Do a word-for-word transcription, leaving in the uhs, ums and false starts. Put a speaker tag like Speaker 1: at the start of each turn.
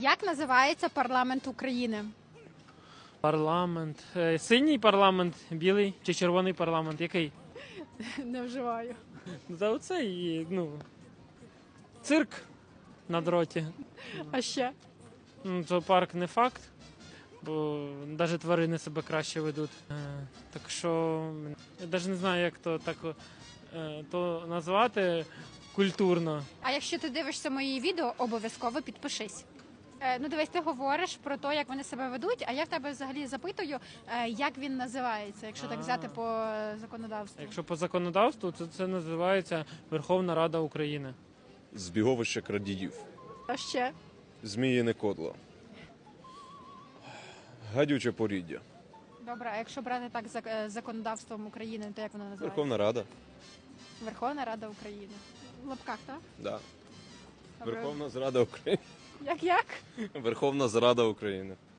Speaker 1: Як називається парламент України?
Speaker 2: Парламент. Е, Синій парламент, білий чи червоний парламент? Який?
Speaker 1: Не вживаю.
Speaker 2: Та оцей, ну, цирк на дроті.
Speaker 1: А ще?
Speaker 2: Ну, зоопарк не факт, бо навіть тварини себе краще ведуть. Е, Так що я навіть не знаю, як то так е, то назвати культурно.
Speaker 1: А якщо ти дивишся мої відео, обов'язково підпишись. Е, ну дивись, ти говориш про те, як вони себе ведуть, а я в тебе взагалі запитую, е, як він називається, якщо так
Speaker 2: А.
Speaker 1: взяти по е, законодавству.
Speaker 2: Якщо по законодавству, то це називається Верховна Рада України.
Speaker 3: Збіговище крадіїв,
Speaker 1: А ще?
Speaker 3: зміїне кодло, гадюче поріддя,
Speaker 1: Добре, а якщо брати так за е, законодавством України, то як воно називається?
Speaker 3: Верховна Рада.
Speaker 1: Верховна Рада України. В лапках, так?
Speaker 3: Да.
Speaker 1: Добре.
Speaker 3: Верховна Зрада України.
Speaker 1: Як як?
Speaker 3: Верховна Зрада України.